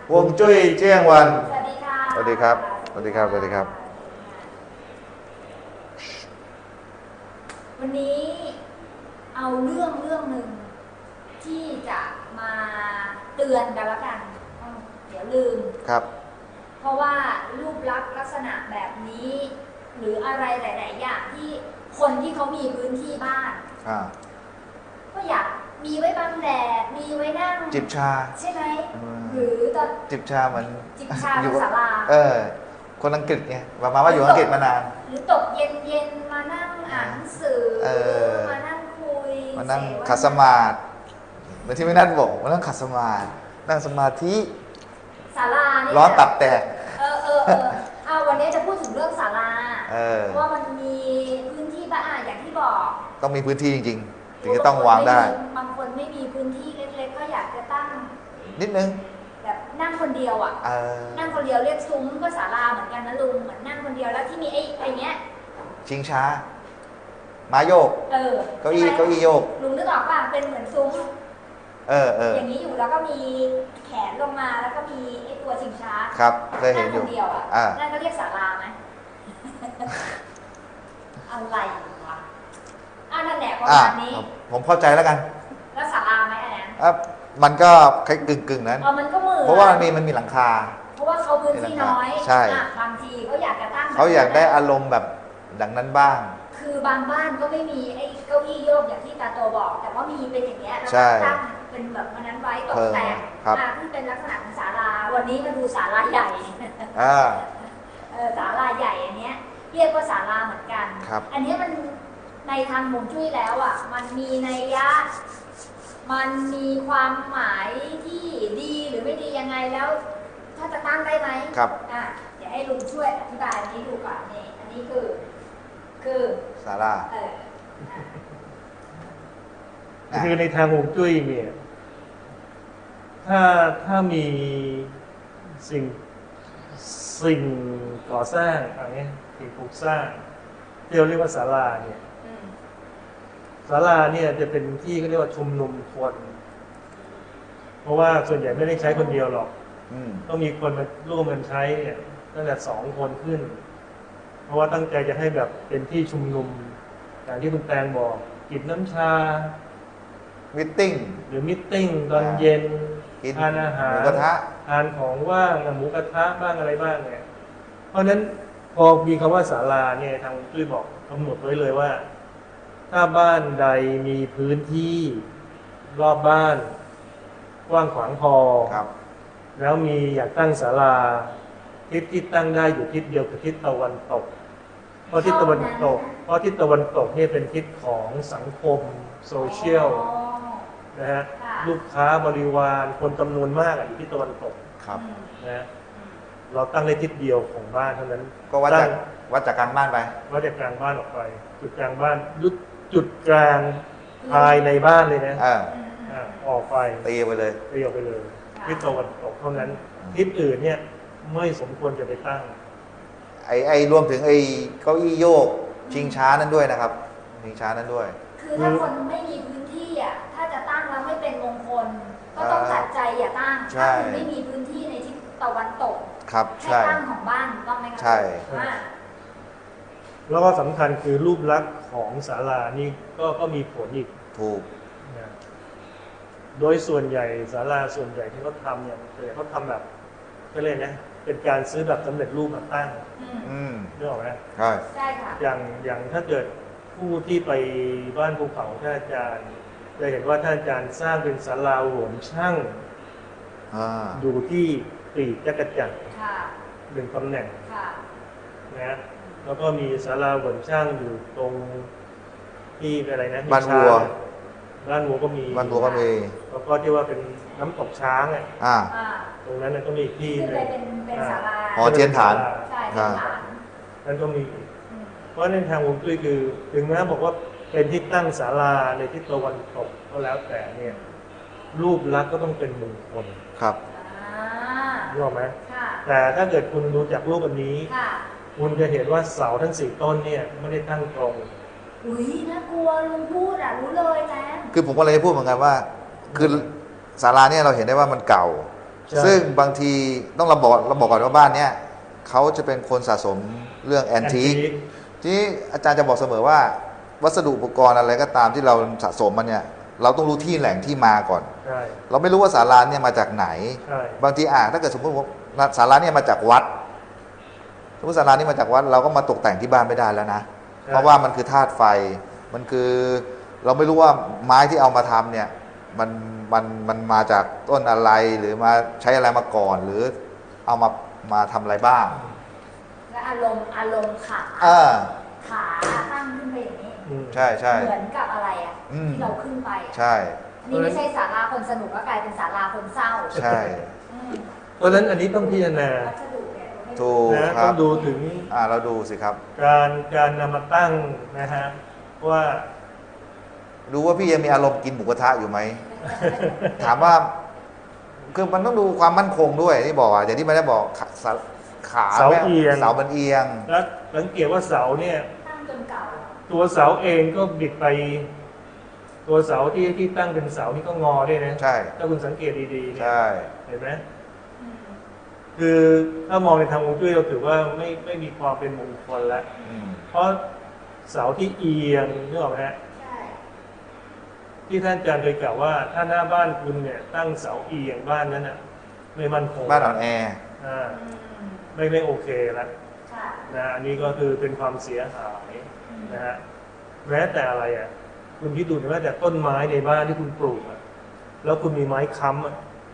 ฮวงจุ้ยเจี้ยงวันสวัสดีค่ะสวัสดีครับ สวัสดีครับ สวัสดีครับวันนี้เอาเรื่องหนึ่งที่จะมาเตือนกันละกันเดี๋ยวลืมครับเพราะว่ารูปลักษณะแบบนี้ หรืออะไรหลาย ๆ อย่างที่คนที่เขามีพื้นที่บ้านก็อยากมีไว้บังแดด มีไว้นั่งจิบชาใช่ไหม หรือตอนจิบชาเหมือนจิบชาบนศาลาคนอังกฤษไงประมาณว่าอยู่อังกฤษมานานหรือตกเย็น ๆ มานั่งอ่านหนังสือ มานั่งคุยมานั่งขัดสมาธิเหมือนที่ไม่นั่นบอกมานั่งขัดสมาธินั่งสมาธิศาลาเนี่ยร้อนตับแตกวันนี้จะพูดถึงเรื่องศาลาเพราะว่ามันมีพื้นที่บ้านอย่างที่บอกต้องมีพื้นที่จริงๆถึงจะต้องวางได้บางคนไม่มีพื้นที่เล็กๆก็อยากจะตั้งนิดนึงแบบนั่งคนเดียวอ่ะนั่งคนเดียวเรียกซุ้มก็ศาลาเหมือนกันนะลุงเหมือนนั่งคนเดียวแล้วที่มีไอ้เนี้ยชิงช้าม้าโยกเก้าอี้โยกลุงนึกออกป่ะเป็นเหมือนซุ้มอย่างนี้อยู่แล้วก็มีแขนลงมาแล้วก็มีไอ้ตัวชิงช้าครับเคยเห็นอยู่นั่งคนเดียวอ่ะนั่นก็เรียกศาลาไหม อะไรวะนั่นแหละประมาณนี้ผมเข้าใจแล้วกันแล้วศาลาไหมอันนั้นมันก็คล้ายกึ่งนั้นมันก็มือเพราะว่ามันมีหลังคาเพราะว่าเขาพื้นที่น้อยใช่บางทีเขาอยากจะตั้งเขาอยากได้อารมณ์แบบดังนั้นบ้างคือบางบ้านก็ไม่มีไอ้เก้าอี้โยกอย่างที่ตาโตบอกแต่ว่ามีเป็นอย่างเงี้ยแล้วตั้งเป็นแบบนั้นไว้ตกแต่งที่เป็นลักษณะของศาลาวันนี้มาดูศาลาใหญ่ศาลาใหญ่อันเนี้ยเรียกว่าศาลาเหมือนกันอันนี้มันในทางฮวงจุ้ยแล้วอ่ะมันมีนัยยะมันมีความหมายที่ดีหรือไม่ดียังไงแล้วถ้าจะตั้งได้ไหมครับเดี๋ยวให้ลุงช่วยอธิบายอันนี้ดูก่อนนี่อันนี้คือศาลาคือในทางฮวงจุ้ยเนี่ยถ้ามีสิ่งก่อสร้างอะไรเงี้ยสิ่งปลูกสร้างที่เราเรียกว่าศาลาเนี่ยศาลาเนี่ยจะเป็นที่เขาเรียกว่าชุมนุมคนเพราะว่าส่วนใหญ่ไม่ได้ใช้คนเดียวหรอกต้องมีคนมาร่วมกันใช้เนี่ยตั้งแต่2 คนขึ้นเพราะว่าตั้งใจจะให้แบบเป็นที่ชุมนุมอย่างที่คุณแตงบอกกินน้ำชามิทติ้งหรือมิทติ้งตอนเย็นทานอาหารหมูกระทะทานของว่างหมูกระทะบ้างอะไรบ้างเนี่ยเพราะฉะนั้นพอมีคำว่าศาลาเนี่ยทางจุ้ยบอกกำหนดไว้เลยว่าถ้าบ้านใดมีพื้นที่รอบบ้านกว้างขวางพอแล้วมีอยากตั้งศาลาทิศที่ตั้งได้อยู่ทิศเดียวคือทิศตะวันตกเพราะทิศตะวันตกนี่เป็นทิศของสังคมโซเชียลนะฮะลูกค้าบริวารคนจำนวนมากอยู่ที่ตะวันตกนะเราตั้งได้ทิศเดียวของบ้านเท่านั้นก็วัดจากกลางบ้านไปวัดจากกลางบ้านออกไปจุดกลางบ้านจุดกลางภายในบ้านเลยนะออกไปตีไปเลยทิศตะวันตกเท่านั้นทิศอื่นเนี่ยไม่สมควรจะไปตั้งรวมถึงเก้าอี้โยกชิงช้านั้นด้วยนะครับชิงช้านั้นด้วยคือถ้าคนไม่มีพื้นที่ถ้าจะตั้งแล้วไม่เป็นมงคลก็ต้องตัดใจอย่าตั้งถ้าคุณไม่มีพื้นที่ในทิศตะวันตกให้ตั้งของบ้านต้องไหมครับใช่แล้วก็สำคัญคือรูปลักษณ์ของศาลานี่ก็มีผลอีกถูกโดยส่วนใหญ่ศาลาส่วนใหญ่ที่เขาทำเนี่ยเขาทำแบบก็เลยนะเป็นการซื้อแบบสำเร็จรูปมาตั้งนึกออกไหมใช่ค่ะอย่างถ้าเกิดผู้ที่ไปบ้านภูเขาท่านอาจารย์จะเห็นว่าท่านอาจารย์สร้างเป็นศาลาหลวงช่างอยู่ที่ปีกจักรจันทร์1 ตำแหน่งนะแล้วก็มีศาลาหลวงช่างอยู่ตรงที่อะไรนะบ้านวัวก็มีแล้วก็ที่ว่าเป็นน้ำตกช้างตรงนั้นก็มีที่เป็นศาลาหอเทียนฐานนั่นก็มีเพราะในทางฮวงจุ้ยคือถึงแม้บอกว่าเป็นที่ตั้งศาลาในทิศตะวันตกก็แล้วแต่เนี่ยรูปลักษณ์ก็ต้องเป็นมงคลครับรู้ไหมแต่ถ้าเกิดคุณดูจากรูปอันนี้คุณจะเห็นว่าเสาทั้ง4 ต้นเนี่ยไม่ได้ตั้งตรงน่ากลัวลุงพูดรู้เลยแจ๊คือผมก็เลยจะพูดเหมือนกันว่าคือศาลาเนี่ยเราเห็นได้ว่ามันเก่าซึ่งบางทีต้องเราบอกก่อนว่าบ้านเนี้ยเขาจะเป็นคนสะสมเรื่องแอนทิคที่อาจารย์จะบอกเสมอว่าวัสดุอุปกรณ์อะไรก็ตามที่เราสะสมมันเนี่ยเราต้องรู้ที่แหล่งที่มาก่อนเราไม่รู้ว่าศาลาเนี่ยมาจากไหนบางทีถ้าเกิดสมมติว่าศาลาเนี่ยมาจากวัดสมมติศาลานี่มาจากวัดเราก็มาตกแต่งที่บ้านไม่ได้แล้วนะเพราะว่ามันคือธาตุไฟมันคือเราไม่รู้ว่าไม้ที่เอามาทำเนี่ยมันมาจากต้นอะไรหรือมาใช้อะไรมาก่อนหรือเอามาทำอะไรบ้างและอารมณ์ขาตั้งขึ้นไปอย่างนี้ใช่ใช่เหมือนกับอะไรอ่ะที่เราขึ้นไปใช่อันนี้ไม่ใช่ศาลาคนสนุกก็กลายเป็นศาลาคนเศร้าใช่เพราะฉะนั้นอันนี้ต้องพิจารณาถูกนะต้องดูถึงเราดูสิครับการนำมาตั้งนะฮะว่าดูว่าพี่ยังมีอารมณ์กินหมูกระทะอยู่ไหม ถามว่าคือมันต้องดูความมั่นคงด้วยที่บอกอย่างที่ไม่ได้บอกขาเสาเอียงเสามันเอียงแล้วสังเกตว่าเสาเนี่ยตั้งจนเก่าตัวเสาเองก็บิดไปตัวเสาที่ตั้งเป็นเสานี่ก็งอด้วยนะใช่ถ้าคุณสังเกตดีๆเนี่ยใช่เห็นไหมคือถ้ามองในทางฮวงจุ้ยเราถือว่าไม่มีความเป็นมงคลแล้วเพราะเสาที่เอียงนึกออกไหมฮะที่ท่านอาจารย์เคยกล่าวว่าถ้าหน้าบ้านคุณเนี่ยตั้งเสาเอียงบ้านนั้นอ่ะไม่มั่นคงบ้านอ่อนแอไม่โอเคแล้วนะอันนี้ก็คือเป็นความเสียหายนะฮะแม้แต่อะไรอ่ะคุณคิดดูนะว่าแต่ต้นไม้ในบ้านที่คุณปลูกอ่ะแล้วคุณมีไม้ค้ำอ่ะ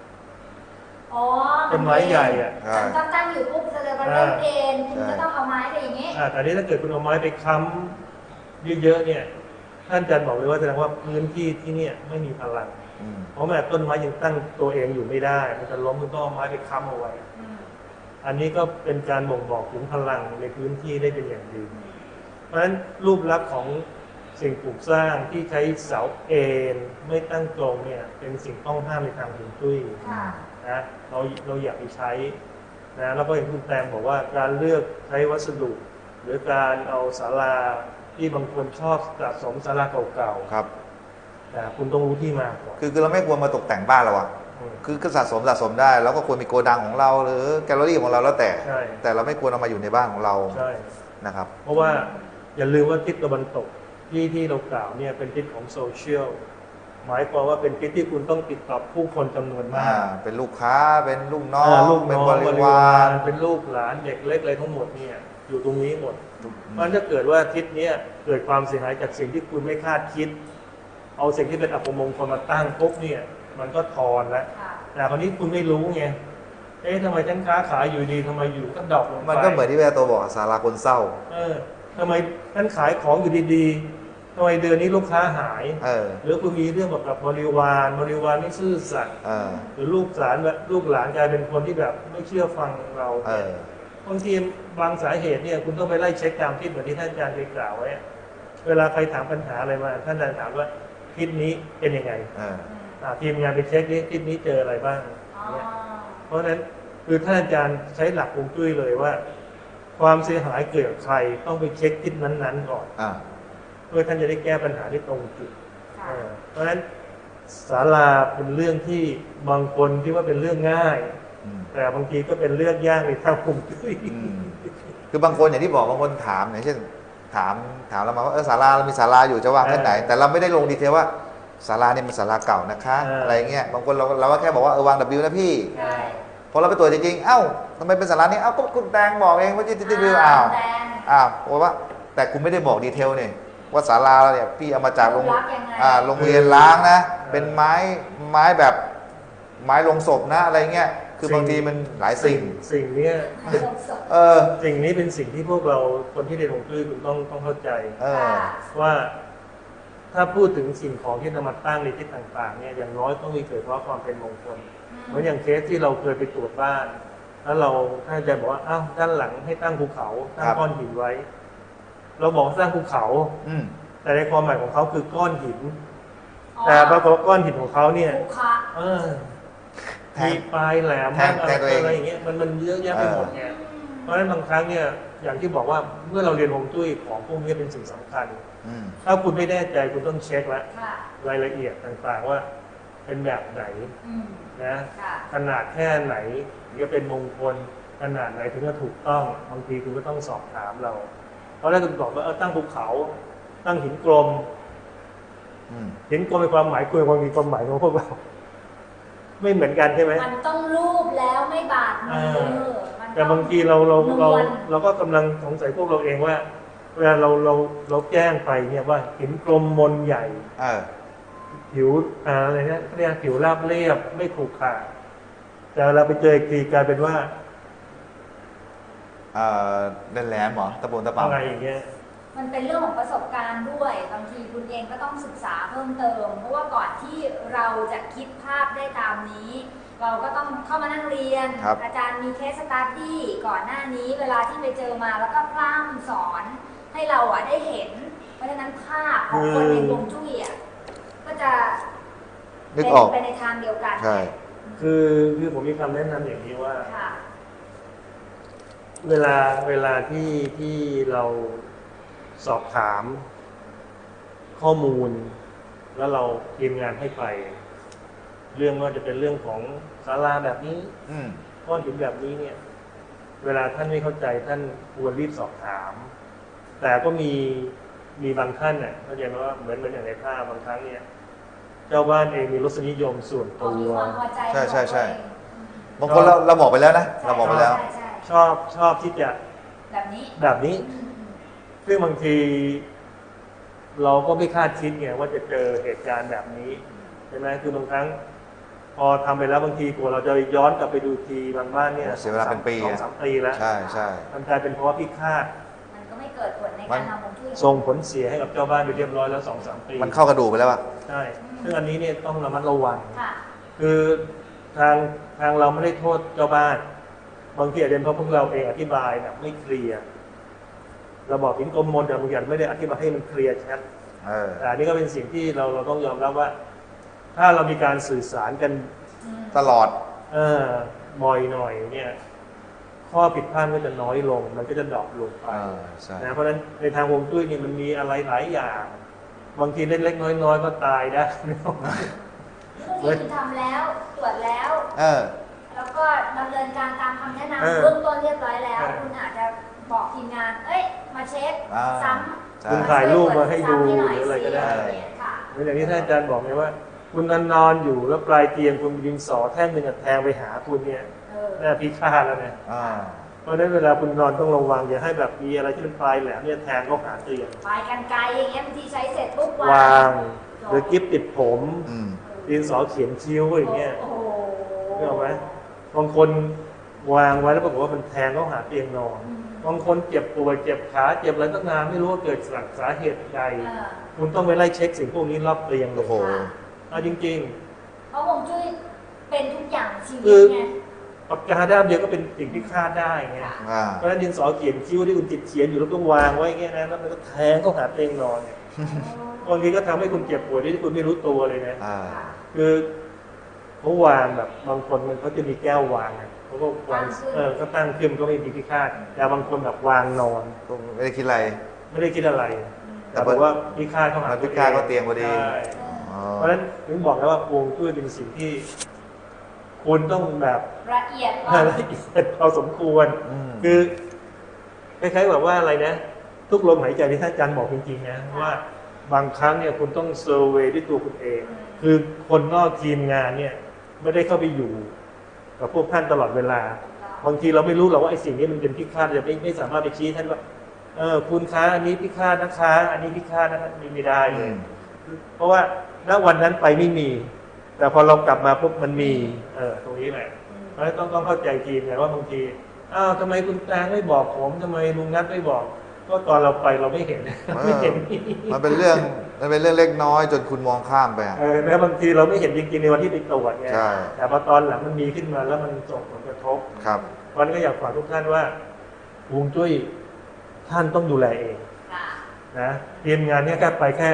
ต้นไม้ใหญ่อ่ะมันก็ตั้งอยู่ปุ๊บจะมันเล่นเองคุณก็ต้องเอาไม้ไปอย่างนี้แต่นี้ถ้าเกิดคุณเอาไม้ไปค้ำเยอะๆเนี่ยท่านอาจารย์บอกเลยว่าแสดงว่าพื้นที่ที่นี่ไม่มีพลังเพราะแม้ต้นไม้ยังตั้งตัวเองอยู่ไม่ได้มันจะล้มมันต้องเอาไม้ไปค้ำเอาไว้อันนี้ก็เป็นการบ่งบอกถึงพลังในพื้นที่ได้เป็นอย่างดีเพราะฉะนั้นรูปลักษณ์ของสิ่งปลูกสร้างที่ใช้เสาเอ็นไม่ตั้งตรงเนี่ยเป็นสิ่งต้องห้ามในทางฮวงจุ้ยนะเราอย่าไปใช้นะแล้วก็อย่างคุณแตงบอกว่าการเลือกใช้วัสดุหรือการเอาศาลาที่บางคนชอบสะสมศาลาเก่าๆครับแต่คุณต้องรู้ที่มาก่อนคือเราไม่ควรมาตกแต่งบ้านเราอะคือสะสมได้แล้วก็ควรมีโกดังของเราหรือแกลเลอรี่ของเราแล้วแต่เราไม่ควรเอามาอยู่ในบ้านของเรานะครับเพราะว่าอย่าลืมว่าทิศตะวันตกที่เรากล่าวเนี่ยเป็นทิศของโซเชียลหมายความว่าเป็นทิศที่คุณต้องติดต่อผู้คนจำนวนมากเป็นลูกค้าเป็นลูกน้องเป็นบริวารเป็นลูกหลานเด็กเล็กอะไรทั้งหมดเนี่ยอยู่ตรงนี้หมดมันจะเกิดว่าทิศนี้เกิดความเสียหายจากสิ่งที่คุณไม่คาดคิดเอาสิ่งที่เป็นอัปมงคลมาตั้งปุ๊บเนี่ยมันก็ทอนแล้วแต่คราวนี้คุณไม่รู้ไงทำไมฉันค้าขายอยู่ดีทำไมอยู่ก็ดรอปลงไปมันก็เหมือนที่แม่ตัวบอกศาลาคนเศร้าทำไมฉันขายของอยู่ดีๆทำไมเดือนนี้ลูกค้าหายหรือคุณมีเรื่องกับบริวารไม่ซื่อสัตย์หรือลูกหลานกลายเป็นคนที่แบบไม่เชื่อฟังเราบางทีบางสาเหตุเนี่ยคุณต้องไปไล่เช็คตามทิศเหมือนที่ท่านอาจารย์เคยกล่าวไว้เวลาใครถามปัญหาอะไรมาท่านอาจารย์ถามว่าทิศนี้เป็นยังไงทีมงานไปเช็คนี้ทิศนี้เจออะไรบ้างเพราะฉะนั้นคือท่านอาจารย์ใช้หลักฮวงจุ้ยเลยว่าความเสียหายเกิดกับใครต้องไปเช็คทิศนั้นๆก่อนเพื่อท่านจะได้แก้ปัญหาที่ตรงจุดเพราะฉะนั้นศาลาเป็นเรื่องที่บางคนคิดว่าเป็นเรื่องง่ายแต่บางทีก็เป็นเรื่องยากในทางฮวงจุ้ยคือบางคนอย่างที่บอกบางคนถามอย่างเช่นถามเรามาว่าศาลาเรามีศาลาอยู่จะวางที่ไหนแต่เราไม่ได้ลงดีเทลว่าศาลาเนี่ยเป็นศาลาเก่านะคะอะไรเงี้ยบางคนเราก็แค่บอกว่าวาง W นะพี่พอเราไปตรวจจริงๆทำไมเป็นศาลานี้ก็คุณแตงบอกเองว่าที่Wเพราะว่าแต่คุณไม่ได้บอกดีเทลเนี่ยว่าศาลาเราเนี่ยพี่เอามาจากโรงเรียนล้างนะเป็นไม้แบบไม้ลงศพนะอะไรเงี้ยคือบางทีมันหลายสิ่งนี้สิ่งนี้เป็นสิ่งที่พวกเราคนที่เรียนฮวงจุ้ยคุณต้องเข้าใจว่าถ้าพูดถึงสิ่งของที่นำมาตั้งในที่ต่างๆเนี่ยอย่างน้อยต้องมีเกิดเพราะความเป็นมงคลเหมือนอย่างเคสที่เราเคยไปตรวจบ้านแล้วท่านอาจารย์บอกว่าด้านหลังให้ตั้งภูเขาตั้งก้อนหินไว้เราบอกสร้างภูเขาแต่ในความหมายของเขาคือก้อนหินแต่ปรากฏก้อนหินของเขาเนี่ยมีปลายแหลมอะไรอย่างเงี้ยมันเยอะแยะไปหมดไงเพราะฉะนั้นบางครั้งเนี่ยอย่างที่บอกว่าเมื่อเราเรียนฮวงจุ้ยของพวกนี้เป็นสิ่งสำคัญถ้าคุณไม่แน่ใจคุณต้องเช็คแล้วรายละเอียดต่างๆว่าเป็นแบบไหน นะค่ะขนาดแค่ไหนถึงจะเป็นมงคลขนาดไหนถึงจะถูกต้องบางทีคุณก็ต้องสอบถามเราเพราะแรกคุณบอกว่าตั้งภูเขาตั้งหินกลมหินกลมมีความหมายคุณมีความหมายของพวกเราไม่เหมือนกันใช่ไหมมันต้องรูปแล้วไม่บาดมือแต่บางทีเราก็กำลังสงสัยพวกเราเองว่าเวลาเราแจ้งไปเนี่ยว่าหินกลมมนใหญ่ผิวอะไรเนี่ยเรียกผิวราบเรียบไม่ขรุขระแต่เราไปเจออีกทีกลายเป็นว่าเล่นแหลมเหรอตะบนตะปาอะไรอย่างเงี้ยมันเป็นเรื่องของประสบการณ์ด้วยบางทีคุณเองก็ต้องศึกษาเพิ่มเติมเพราะว่าก่อนที่เราจะคิดภาพได้ตามนี้เราก็ต้องเข้ามานั่งเรียนอาจารย์มีเคสสตั๊ดดี้ก่อนหน้านี้เวลาที่ไปเจอมาแล้วก็พร่ำสอนให้เราได้เห็นเพราะฉะนั้นภาพของคนในฮวงจุ้ยก็จะนึกออกไปในทางเดียวกันใช่คือผมมีคำแนะนำอย่างนี้ว่าเวลาที่เราสอบถามข้อมูลแล้วเราทีมงานให้ไปเรื่องว่าจะเป็นเรื่องของศาลาแบบนี้ก้อนหินแบบนี้เนี่ยเวลาท่านไม่เข้าใจท่านควรรีบสอบถามแต่ก็มีบางท่านเนี่ยเข้าใจไหมว่าเหมือนอย่างในภาพบางครั้งเนี่ยเจ้าบ้านเองมีรสนิยมส่วนตัวใช่บางคนเราบอกไปแล้วนะเราบอกไปแล้วชอบที่จะแบบนี้ซึ่งบางทีเราก็ไม่คาดคิดไงว่าจะเจอเหตุการณ์แบบนี้ใช่ไหมคือบางครั้งพอทำไปแล้วบางทีกว่าเราจะย้อนกลับไปดูทีบางบ้านเนี่ยเสียเวลาเป็นปี 2-3 ปีแล้วใช่มันกลายเป็นเพราะว่าพิฆาตมันก็ไม่เกิดผลในการทำฮวงจุ้ยส่งผลเสียให้กับเจ้าบ้านไปเรียบร้อยแล้ว 2-3 ปีมันเข้ากระดูกไปแล้วอ่ะใช่ซึ่งอันนี้เนี่ยต้องระมัดระวังคือทางเราไม่ได้โทษเจ้าบ้านบางทีอาจจะเป็นเพราะพวกเราเองอธิบายแบบไม่เคลียร์เราบอกหินกลมมนแต่บางอย่างไม่ได้อธิบายให้มันเคลียร์ชัดแต่นี่ก็เป็นสิ่งที่เราต้องยอมรับว่าถ้าเรามีการสื่อสารกันตลอดบ่อยหน่อยเนี่ยข้อผิดพลาดก็จะน้อยลงมันก็จะดรอปลงไปนะเพราะฉะนั้นในทางฮวงจุ้ยนี่มันมีอะไรหลายอย่างบางทีเล็กๆน้อยๆก็ตายได้คุณทำแล้วตรวจแล้วแล้วก็ดำเนินการตามคำแนะนำเบื้องต้นเรียบร้อยแล้วคุณอาจจะบอกทีมงานมาเช็คซ้ำคุณถ่ายรูปมาให้ดูหรืออะไรก็ได้เหมือนอย่างที่ท่านอาจารย์บอกไงว่าคุณนอนอยู่แล้วปลายเตียงคุณดินสอแท่งหนึ่งแทงไปหาคุณเนี่ยน่าพิฆาตแล้วเนี่ยเพราะฉะนั้นเวลาคุณนอนต้องระวังอย่าให้แบบมีอะไรที่เป็นปลายแหลมเนี่ยแทงเข้าหาเตียงปลายกรรไกรอย่างเงี้ยบางทีใช้เสร็จปุ๊บวางหรือกิ๊บติดผมดินสอเขียนคิ้วอย่างเงี้ยเห็นไหมบางคนวางไว้แล้วปรากฏว่ามันแทงเข้าหาเตียงนอนบางคนเจ็บป่วยเจ็บขาเจ็บอะไรตั้งนานไม่รู้ว่าเกิดจากสาเหตุใดคุณต้องไปไล่เช็คสิ่งพวกนี้รอบเตียงเลยเอาจริงๆเพราะฮวงจุ้ยเป็นทุกอย่างชีวิตไงปากกาด้ามเดียวก็เป็นสิ่งที่คาดได้ไงเพราะฉะนั้นดินสอเขียนคิ้วที่คุณติดเขียนอยู่แล้วต้องวางไว้เงี้ยนะแล้วมันก็แทงเข้าหาเตียงนอนเนี่ยบางทีก็ทำให้คุณเจ็บป่วยที่คุณไม่รู้ตัวเลยนะคือเขาวางแบบบางคนมันเขาจะมีแก้ววางเขาก็วางก็ตั้งขึ้นก็ไม่มีพิฆาตแต่บางคนแบบวางนอนไม่ได้คิดอะไรแต่บอกว่าพิฆาตเข้าหาพิฆาตก็เตียงพอดีเพราะฉะนั้นถึงบอกแล้วว่าฮวงจุ้ยเป็นสิ่งที่คุณต้องแบบละเอียดพอสมควรคือคล้ายๆแบบว่าอะไรนะทุกลมหายใจที่ท่านอาจารย์บอกจริงๆนะว่าบางครั้งเนี่ยคุณต้องเซอร์เวย์ด้วยตัวคุณเองคือคนนอกทีมงานเนี่ยไม่ได้เข้าไปอยู่กับพวกท่านตลอดเวลาบางทีเราไม่รู้หรอกว่าไอ้สิ่งนี้มันเป็นพิฆาตจะไม่สามารถไปชี้ท่านว่าคุณค้าอันนี้พิฆาตนะคะอันนี้พิฆาตนะคะไม่ได้เลยเพราะว่าณวันนั้นไปไม่มีแต่พอเรากลับมาปุ๊บมันมีตรงนี้แหละเพราะฉะนั้นต้องเข้าใจทีมไงว่าบางทีทำไมคุณแตงไม่บอกผมทำไมลุงนัทไม่บอกก็ตอนเราไปเราไม่เห็นมันเป็นเรื่องเล็กน้อยจนคุณมองข้ามไปแล้วบางทีเราไม่เห็นจริงๆในวันที่ไปตรวจไงแต่พอตอนหลังมันมีขึ้นมาแล้วมันส่งผลกระทบวันก็อยากฝากทุกท่านว่าฮวงจุ้ยท่านต้องดูแลเองนะทีมงานนี้แค่ไปแค่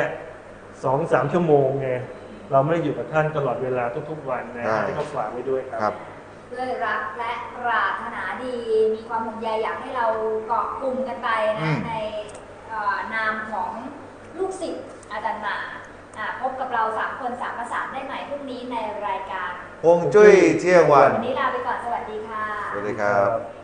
2-3 ชั่วโมงไงเราไม่ได้อยู่กับท่านตลอดเวลาทุกๆวันนะให้เขาฝากไว้ด้วยครับด้วยรักและปรารถนาดีมีความห่วงใยอยากให้เราเกาะกลุ่มกันไปนะในนามของลูกศิษย์อาจารย์หนาพบกับเรา3 คน3 ประสานได้ใหม่พรุ่งนี้ในรายการฮวงจุ้ยเที่ยงวันวันนี้ลาไปก่อนสวัสดีค่ะสวัสดีครับ